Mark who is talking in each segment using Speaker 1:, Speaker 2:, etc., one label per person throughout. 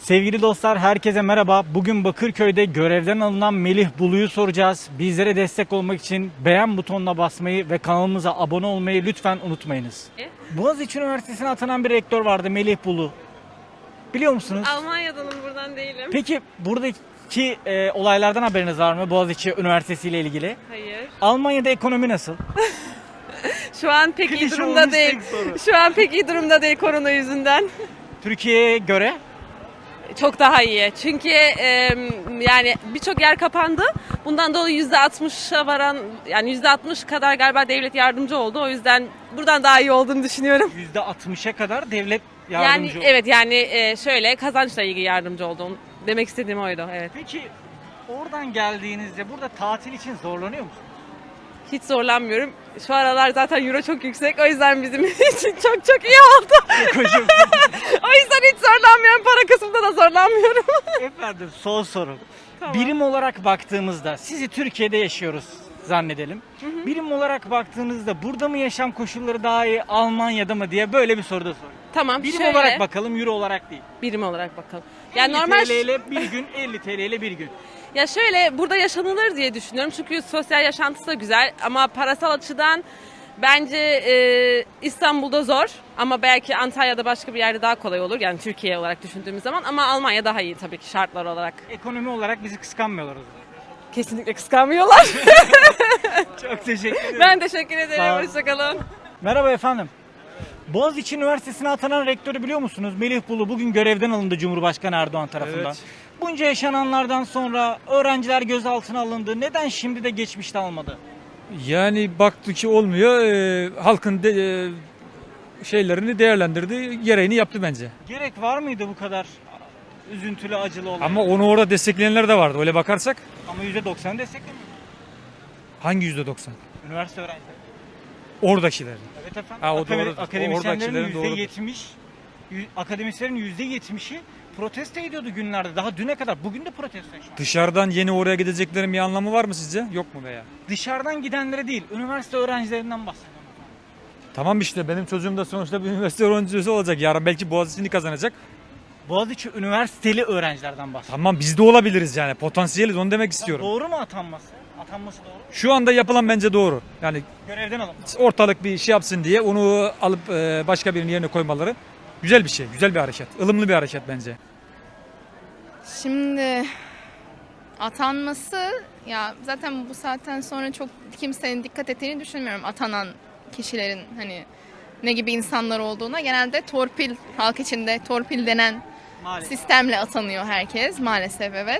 Speaker 1: Sevgili dostlar, herkese merhaba. Bugün Bakırköy'de görevden alınan Melih Bulu'yu soracağız. Bizlere destek olmak için beğen butonuna basmayı ve kanalımıza abone olmayı lütfen unutmayınız. Boğaziçi Üniversitesi'ne atanan bir rektör vardı, Melih Bulu. Biliyor musunuz?
Speaker 2: Almanya'danım, buradan değilim.
Speaker 1: Peki buradaki olaylardan haberiniz var mı Boğaziçi Üniversitesi ile ilgili?
Speaker 2: Hayır.
Speaker 1: Almanya'da ekonomi nasıl?
Speaker 2: Şu an pek iyi
Speaker 1: Klişe
Speaker 2: durumda
Speaker 1: olmuş
Speaker 2: değil.
Speaker 1: tek soru.
Speaker 2: Şu an pek iyi durumda değil korona yüzünden.
Speaker 1: Türkiye'ye göre?
Speaker 2: Çok daha iyi. Çünkü yani birçok yer kapandı. Bundan dolayı %60'a varan, yani %60 kadar galiba devlet yardımcı oldu. O yüzden buradan daha iyi olduğunu düşünüyorum.
Speaker 1: %60'a kadar devlet yardımcı
Speaker 2: Yani
Speaker 1: oldu.
Speaker 2: evet, yani şöyle kazançla ilgili yardımcı oldu. Demek istediğim oydu, evet.
Speaker 1: Peki oradan geldiğinizde burada tatil için zorlanıyor musunuz?
Speaker 2: Hiç zorlanmıyorum. Şu aralar zaten euro çok yüksek. O yüzden bizim için çok iyi oldu.
Speaker 1: Hocam.
Speaker 2: O yüzden hiç zorlanmıyorum. Para kısmında da zorlanmıyorum.
Speaker 1: Efendim, son soru.
Speaker 2: Tamam.
Speaker 1: Birim olarak baktığımızda sizi Türkiye'de yaşıyoruz zannedelim. Birim olarak baktığınızda burada mı yaşam koşulları daha iyi, Almanya'da mı diye böyle bir soru da soruyorum.
Speaker 2: Tamam,
Speaker 1: Birim
Speaker 2: şöyle.
Speaker 1: olarak bakalım, euro olarak değil.
Speaker 2: Birim olarak bakalım.
Speaker 1: 50
Speaker 2: Yani normal
Speaker 1: TL ile bir gün, 50 TL ile bir gün.
Speaker 2: ya şöyle, burada yaşanılır diye düşünüyorum. Çünkü sosyal yaşantısı da güzel ama parasal açıdan bence İstanbul'da zor ama belki Antalya'da başka bir yerde daha kolay olur. Yani Türkiye olarak düşündüğümüz zaman, ama Almanya daha iyi tabii ki şartlar olarak.
Speaker 1: Ekonomi olarak bizi kıskanmıyorlar o zaman.
Speaker 2: Kesinlikle kıskanmıyorlar.
Speaker 1: Çok teşekkür ederim.
Speaker 2: Ben teşekkür
Speaker 1: Sağ
Speaker 2: ederim.
Speaker 1: olun.
Speaker 2: Hoşçakalın.
Speaker 1: Merhaba efendim. Boğaziçi Üniversitesi'ne atanan rektörü biliyor musunuz? Melih Bulu bugün görevden alındı Cumhurbaşkanı Erdoğan tarafından.
Speaker 3: Evet.
Speaker 1: Bunca yaşananlardan sonra öğrenciler gözaltına alındı. Neden şimdi de geçmişte almadı?
Speaker 3: Yani baktı ki olmuyor, halkın şeylerini değerlendirdi, gereğini yaptı bence.
Speaker 1: Gerek var mıydı bu kadar üzüntülü, acılı olay?
Speaker 3: Ama onu orada destekleyenler de vardı. Öyle bakarsak
Speaker 1: Ama %90 desteklemiyor.
Speaker 3: hangi %90?
Speaker 1: Üniversite öğrencileri.
Speaker 3: Oradakiler.
Speaker 1: Evet efendim.
Speaker 3: Ha, o doğru.
Speaker 1: Akademisyenlerin
Speaker 3: Oradakilerin doğrudur.
Speaker 1: akademisyenlerin %70'i protesto ediyordu günlerde. Daha düne kadar. Bugün de protesto şu an.
Speaker 3: Dışarıdan yeni oraya gideceklerin bir anlamı var mı sizce? Yok mu veya?
Speaker 1: Dışarıdan gidenlere değil, üniversite öğrencilerinden bahsediyorum.
Speaker 3: Tamam, işte benim çocuğum da sonuçta bir üniversite öğrencisi olacak. Yarın belki Boğaziçi'ni kazanacak.
Speaker 1: Boğaziçi üniversiteli öğrencilerden bahsediyorum.
Speaker 3: Tamam, biz de olabiliriz yani. Potansiyeliz, onu demek istiyorum.
Speaker 1: Doğru mu atanması? Atanması doğru mu?
Speaker 3: Şu anda yapılan bence doğru. Yani
Speaker 1: Görevden alın.
Speaker 3: ortalık bir şey yapsın diye onu alıp başka birinin yerine koymaları güzel bir şey. Güzel bir hareket. Ilımlı bir hareket bence.
Speaker 4: Şimdi atanması, ya zaten bu saatten sonra çok kimsenin dikkat ettiğini düşünmüyorum atanan kişilerin hani ne gibi insanlar olduğuna. Genelde torpil, halk içinde torpil denen
Speaker 1: Maalesef.
Speaker 4: sistemle atanıyor herkes maalesef, evet.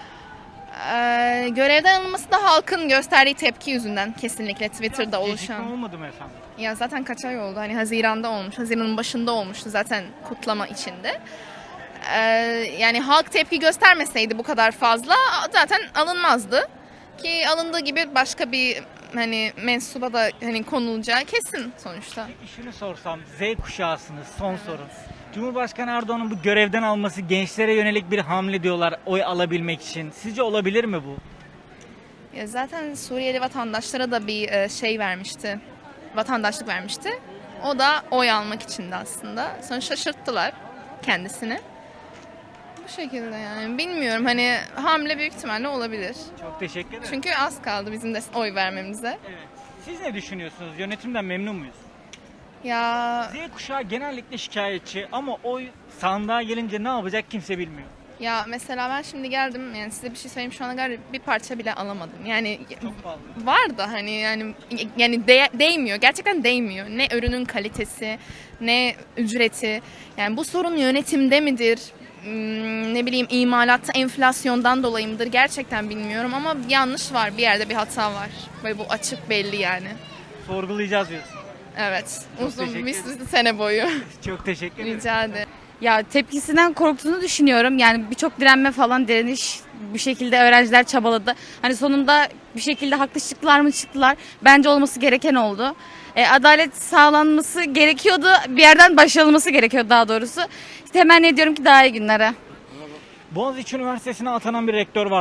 Speaker 4: Görevden alınması da halkın gösterdiği tepki yüzünden kesinlikle Twitter'da
Speaker 1: Biraz
Speaker 4: oluşan.
Speaker 1: gecikme olmadı mı efendim?
Speaker 4: Ya zaten kaç ay oldu? Hani Haziran'da olmuş. Haziran'ın başında olmuştu zaten kutlama içinde. Yani halk tepki göstermeseydi bu kadar fazla zaten alınmazdı. Ki alındığı gibi başka bir hani mensuba da hani konulacağı kesin sonuçta.
Speaker 1: Peki şunu sorsam, Z kuşağısınız, son soru. Cumhurbaşkanı Erdoğan'ın bu görevden alması gençlere yönelik bir hamle diyorlar oy alabilmek için. Sizce olabilir mi bu?
Speaker 4: Ya zaten Suriyeli vatandaşlara da bir şey vermişti. Vatandaşlık vermişti. O da oy almak içindi aslında. Sonra şaşırttılar kendisini. Bu şekilde yani. Bilmiyorum, hani hamle büyük ihtimalle olabilir.
Speaker 1: Çok teşekkür ederim.
Speaker 4: Çünkü az kaldı bizim de oy vermemize.
Speaker 1: Evet. Siz ne düşünüyorsunuz? Yönetimden memnun muyuz?
Speaker 4: Ya
Speaker 1: Z kuşağı genellikle şikayetçi ama oy sandığa gelince ne yapacak kimse bilmiyor.
Speaker 4: ya mesela ben şimdi geldim, yani size bir şey söyleyeyim, şu ana kadar bir parça bile alamadım. Yani
Speaker 1: Çok pahalı.
Speaker 4: var da hani yani değmiyor. Gerçekten değmiyor. Ne ürünün kalitesi, ne ücreti. Yani bu sorun yönetimde midir? Ne bileyim, imalatta enflasyondan dolayı mıdır? Gerçekten bilmiyorum ama bir yanlış var. Bir yerde bir hata var. Ve bu açık, belli yani.
Speaker 1: Sorgulayacağız diyorsun.
Speaker 4: Evet.
Speaker 1: Çok
Speaker 4: Uzun
Speaker 1: teşekkür
Speaker 4: bir
Speaker 1: ederim.
Speaker 4: sene boyu.
Speaker 1: Çok teşekkür ederim.
Speaker 4: Rica ederim.
Speaker 5: Ya tepkisinden korktuğunu düşünüyorum. Yani birçok direnme falan, direniş, bir şekilde öğrenciler çabaladı. Hani sonunda bir şekilde haklı çıktılar mı çıktılar. Bence olması gereken oldu. Adalet sağlanması gerekiyordu. Bir yerden başlanılması gerekiyordu daha doğrusu. İşte temenni ediyorum ki daha iyi günlere.
Speaker 1: Boğaziçi Üniversitesi'ne atanan bir rektör vardı.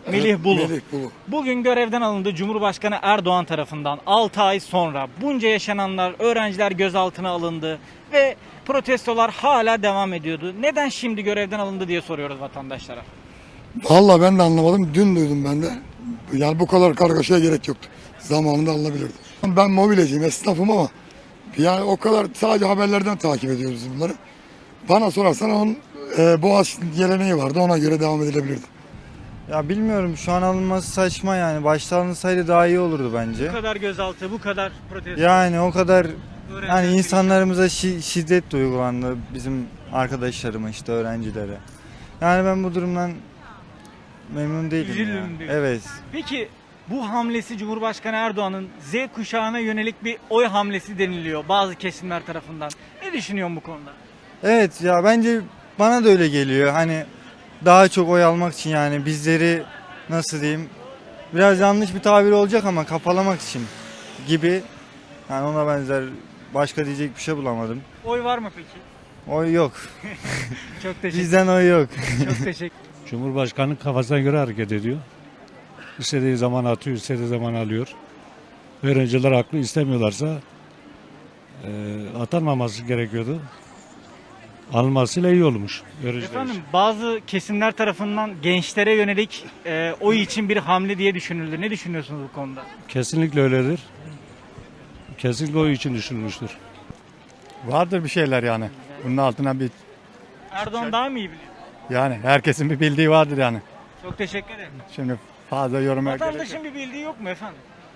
Speaker 1: Melih Bulu.
Speaker 6: Melih Bulu.
Speaker 1: Bugün görevden alındı Cumhurbaşkanı Erdoğan tarafından. 6 ay sonra bunca yaşananlar, öğrenciler gözaltına alındı ve protestolar hala devam ediyordu. Neden şimdi görevden alındı diye soruyoruz vatandaşlara.
Speaker 6: Vallahi ben de anlamadım. Dün duydum ben de. Yani bu kadar kargaşaya gerek yoktu. Zamanında alınabilirdi. Ben mobilyacıyım, esnafım ama yani o kadar sadece haberlerden takip ediyoruz bunları. Bana sorarsan onun Boğaziçi geleneği vardı. Ona göre devam edilebilirdi.
Speaker 7: Ya bilmiyorum, şu an alınması saçma yani. Başta alınsaydı daha iyi olurdu bence.
Speaker 1: Bu kadar gözaltı, bu kadar protesto.
Speaker 7: Yani o kadar
Speaker 1: öğrenciler
Speaker 7: yani
Speaker 1: gibi-
Speaker 7: insanlarımıza şiddet de uygulandı, bizim arkadaşlarıma, işte öğrencilere. Yani ben bu durumdan memnun değilim
Speaker 1: Üzüldüm
Speaker 7: ya.
Speaker 1: diyorsun.
Speaker 7: Evet.
Speaker 1: Peki bu hamlesi Cumhurbaşkanı Erdoğan'ın Z kuşağına yönelik bir oy hamlesi deniliyor bazı kesimler tarafından. Ne düşünüyorsun bu konuda?
Speaker 7: Evet ya, bence bana da öyle geliyor. Hani daha çok oy almak için, yani bizleri nasıl diyeyim, biraz yanlış bir tabir olacak ama kafalamak için gibi. Yani ona benzer, başka diyecek bir şey bulamadım.
Speaker 1: Oy var mı peki?
Speaker 7: Oy yok.
Speaker 1: Çok teşekkür
Speaker 7: Bizden oy yok.
Speaker 1: Çok teşekkür.
Speaker 8: Cumhurbaşkanı kafasına göre hareket ediyor. İstediği zaman atıyor, istediği zaman alıyor. Öğrenciler haklı, istemiyorlarsa atanmaması gerekiyordu. Alınmasıyla iyi olmuş öğrenciler
Speaker 1: Efendim
Speaker 8: için.
Speaker 1: bazı kesimler tarafından gençlere yönelik oy için bir hamle diye düşünüldü. Ne düşünüyorsunuz bu konuda?
Speaker 8: Kesinlikle öyledir. Kesinlikle o için düşünülmüştür.
Speaker 9: Vardır bir şeyler yani. Bunun altına bir
Speaker 1: Erdoğan daha mı iyi biliyor?
Speaker 9: yani herkesin bir bildiği vardır yani.
Speaker 1: Çok teşekkür ederim.
Speaker 9: Şimdi fazla yoruma gerek yok.
Speaker 1: Vatandaşın bir bildiği yok mu efendim?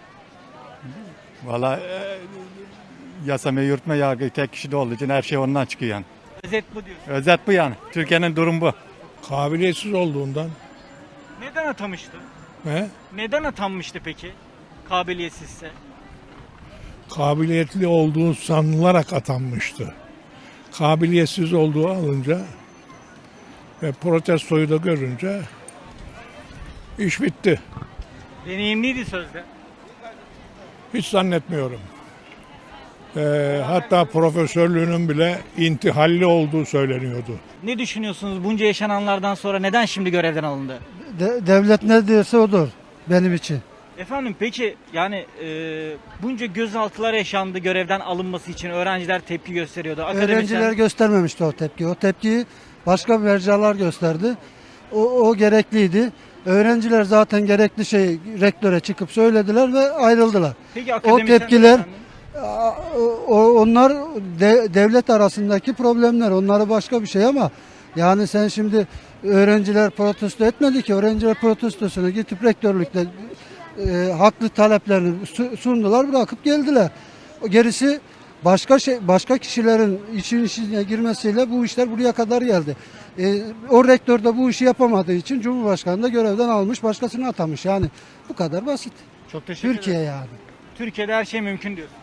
Speaker 9: Valla yasama yürütme yargı tek kişide olduğu için her şey ondan çıkıyor yani.
Speaker 1: Özet bu diyorsun.
Speaker 9: Özet bu yani. Türkiye'nin durumu bu.
Speaker 10: Kabiliyetsiz olduğundan.
Speaker 1: Neden atamıştı?
Speaker 10: He?
Speaker 1: Neden atanmıştı peki? Kabiliyetsizse.
Speaker 10: Kabiliyetli olduğu sanılarak atanmıştı. Kabiliyetsiz olduğu alınca ve protestoyu da görünce iş bitti.
Speaker 1: Deneyimliydi sözde.
Speaker 10: Hiç zannetmiyorum. Hatta profesörlüğünün bile intihalli olduğu söyleniyordu.
Speaker 1: Ne düşünüyorsunuz bunca yaşananlardan sonra neden şimdi görevden alındı?
Speaker 11: Devlet ne diyorsa odur benim için.
Speaker 1: Efendim peki yani bunca gözaltılar yaşandı görevden alınması için öğrenciler tepki gösteriyordu.
Speaker 11: Öğrenciler göstermemişti o tepkiyi. O tepkiyi başka mercalar gösterdi. O gerekliydi. Öğrenciler zaten gerekli şey rektöre çıkıp söylediler ve ayrıldılar.
Speaker 1: Peki
Speaker 11: O
Speaker 1: akademisyenler
Speaker 11: tepkiler
Speaker 1: efendim?
Speaker 11: onlar devlet arasındaki problemler. Onları başka bir şey ama yani sen şimdi öğrenciler protesto etmedi ki. Öğrenciler protestosunu gidip rektörlükte haklı taleplerini sundular, bırakıp geldiler. Gerisi başka kişilerin içine girmesiyle bu işler buraya kadar geldi. O rektör de bu işi yapamadığı için Cumhurbaşkanı da görevden almış, başkasını atamış. Yani bu kadar basit.
Speaker 1: Çok teşekkür
Speaker 11: Türkiye
Speaker 1: ederim.
Speaker 11: yani.
Speaker 1: Türkiye'de her şey mümkün diyor.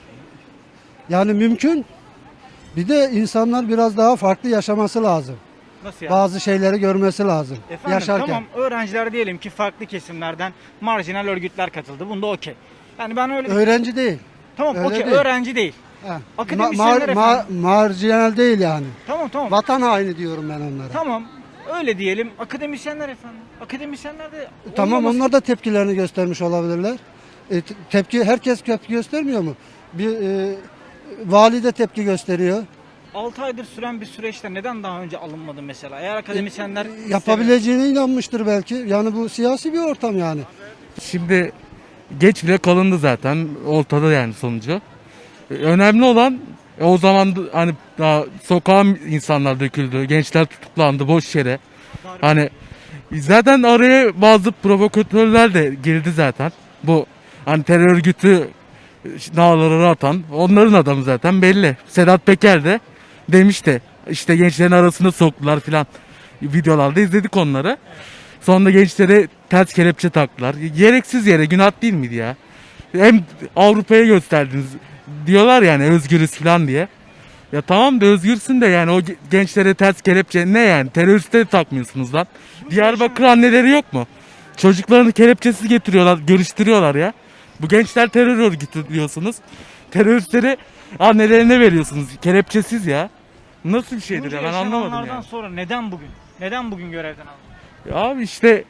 Speaker 11: Yani mümkün. Bir de insanlar biraz daha farklı yaşaması lazım.
Speaker 1: Nasıl yani?
Speaker 11: Bazı şeyleri görmesi lazım
Speaker 1: Efendim
Speaker 11: yaşarken.
Speaker 1: tamam öğrenciler diyelim ki farklı kesimlerden marjinal örgütler katıldı. Bunda okey. Yani ben öyle
Speaker 11: Öğrenci değil.
Speaker 1: tamam
Speaker 11: öyle
Speaker 1: okey
Speaker 11: değil.
Speaker 1: öğrenci değil.
Speaker 11: Ha.
Speaker 1: Akademisyenler efendim.
Speaker 11: Marjinal değil yani.
Speaker 1: Tamam.
Speaker 11: Vatan haini diyorum ben onlara.
Speaker 1: Tamam. Öyle diyelim. Akademisyenler efendim. Akademisyenler de
Speaker 11: Tamam,
Speaker 1: olmaması-
Speaker 11: onlar da tepkilerini göstermiş olabilirler. Herkes tepki göstermiyor mu? Vali de tepki gösteriyor.
Speaker 1: 6 aydır süren bir süreçte neden daha önce alınmadı mesela? Eğer akademisyenler
Speaker 11: Yapabileceğine inanmıştır belki. Yani bu siyasi bir ortam yani.
Speaker 12: Şimdi geç bile kalındı zaten ortada yani sonucu. Önemli olan o zaman hani daha sokağa insanlar döküldü, gençler tutuklandı boş yere. Hani zaten araya bazı provokatörler de girdi zaten. Bu hani terör örgütü nağları atan onların adamı zaten belli. Sedat Peker de demişti işte gençlerin arasında soktular filan, videolarda izledik onları. Sonra gençlere ters kelepçe taktılar. Gereksiz yere, günah değil miydi ya? Hem Avrupa'ya gösterdiniz diyorlar yani özgürüz falan diye. Ya tamam da özgürsün de yani o gençlere ters kelepçe ne yani? Teröriste takmıyorsunuz lan. Diyarbakır anneleri yok mu? Çocuklarını kelepçesiz getiriyorlar, görüştürüyorlar ya. Bu gençler terör örgütü diyorsunuz. Teröristleri annelerine veriyorsunuz. Kelepçesiz ya. Nasıl bir şeydir
Speaker 1: bunca
Speaker 12: ya, ben anlamadım
Speaker 1: yaşananlardan
Speaker 12: yani.
Speaker 1: sonra neden bugün? Neden bugün görevden alındı?
Speaker 12: Ya abi işte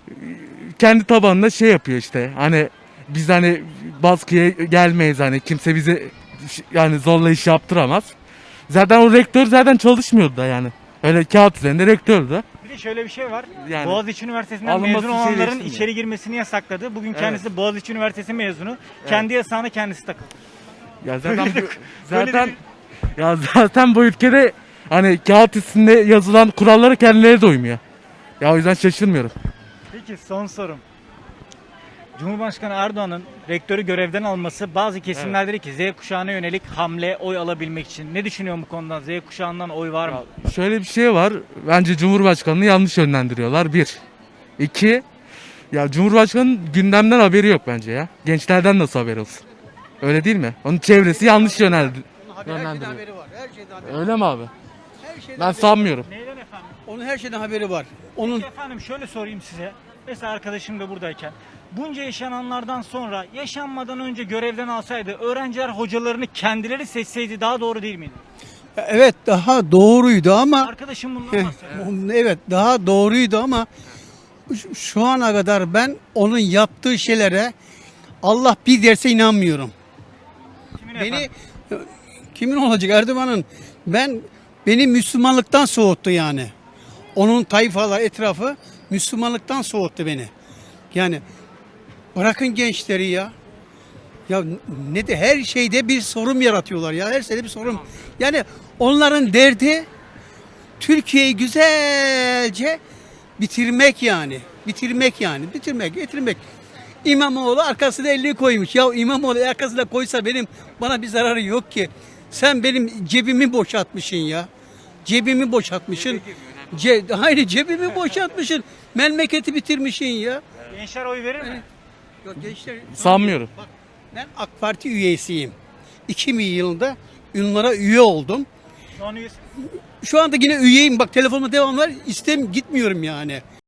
Speaker 12: kendi tabanında şey yapıyor işte. Hani biz hani baskıya gelmeyiz, hani kimse bizi yani zorla iş yaptıramaz. Zaten o rektör zaten çalışmıyordu da yani. Öyle kağıt üzerinde rektördü.
Speaker 1: Bir de şöyle bir şey var.
Speaker 12: Yani
Speaker 1: Boğaziçi Üniversitesi'nden
Speaker 12: alınması
Speaker 1: mezun olanların
Speaker 12: şeyleşsin
Speaker 1: içeri girmesini yasakladı. Bugün
Speaker 12: Evet.
Speaker 1: kendisi Boğaziçi Üniversitesi mezunu. Kendi yasağına kendisi takıldı.
Speaker 12: Ya zaten
Speaker 1: Böyle de
Speaker 12: zaten
Speaker 1: bir-
Speaker 12: ya zaten bu ülkede hani kağıt üstünde yazılan kurallara kendileri de uymuyor. Ya o yüzden şaşırmıyorum.
Speaker 1: Peki son sorum. Cumhurbaşkanı Erdoğan'ın rektörü görevden alması bazı kesimler dedi ki Z kuşağına yönelik hamle, oy alabilmek için. Ne düşünüyorsun bu konuda? Z kuşağından oy var mı?
Speaker 12: Şöyle bir şey var. Bence Cumhurbaşkanı'nı yanlış yönlendiriyorlar. Bir. İki. Ya Cumhurbaşkanı'nın gündemden haberi yok bence ya. Gençlerden nasıl haberi olsun? Öyle değil mi? Onun çevresi yanlış yönlendiriyor. Öyle mi abi? Ben sanmıyorum.
Speaker 1: Neyden efendim?
Speaker 11: Onun her şeyden haberi var. Onun
Speaker 1: Peki efendim şöyle sorayım size. Mesela arkadaşım da buradayken. Bunca yaşananlardan sonra yaşanmadan önce görevden alsaydı öğrenciler hocalarını kendileri seçseydi daha doğru değil miydi?
Speaker 11: evet daha doğruydu ama
Speaker 1: Arkadaşım bundan bahsediyor.
Speaker 11: evet daha doğruydu ama şu ana kadar ben onun yaptığı şeylere Allah bir derse inanmıyorum.
Speaker 1: Kimin
Speaker 11: Beni
Speaker 1: efendim?
Speaker 11: kimin olacak Erdoğan'ın beni Müslümanlıktan soğuttu yani. Onun tayfalar etrafı Müslümanlıktan soğuttu beni. Yani bırakın gençleri ya. Ya ne de her şeyde bir sorun yaratıyorlar ya. Her şeyde bir sorun. Yani onların derdi Türkiye'yi güzelce bitirmek yani. Bitirmek. İmamoğlu arkasına elini koymuş. Ya İmamoğlu arkasına koysa bana bir zararı yok ki. Sen benim cebimi boşaltmışsın ya. Cebimi boşaltmışsın. Hayır cebimi boşaltmışsın. Memleketi bitirmişsin ya.
Speaker 1: Gençler oy verir mi?
Speaker 11: Yok, gençler,
Speaker 12: Sanmıyorum.
Speaker 11: Bak, ben AK Parti üyesiyim. 2000 yılında onlara üye oldum.
Speaker 1: Şu an üyesi.
Speaker 11: Şu anda yine üyeyim. Bak telefonuma devam var. Gitmiyorum yani.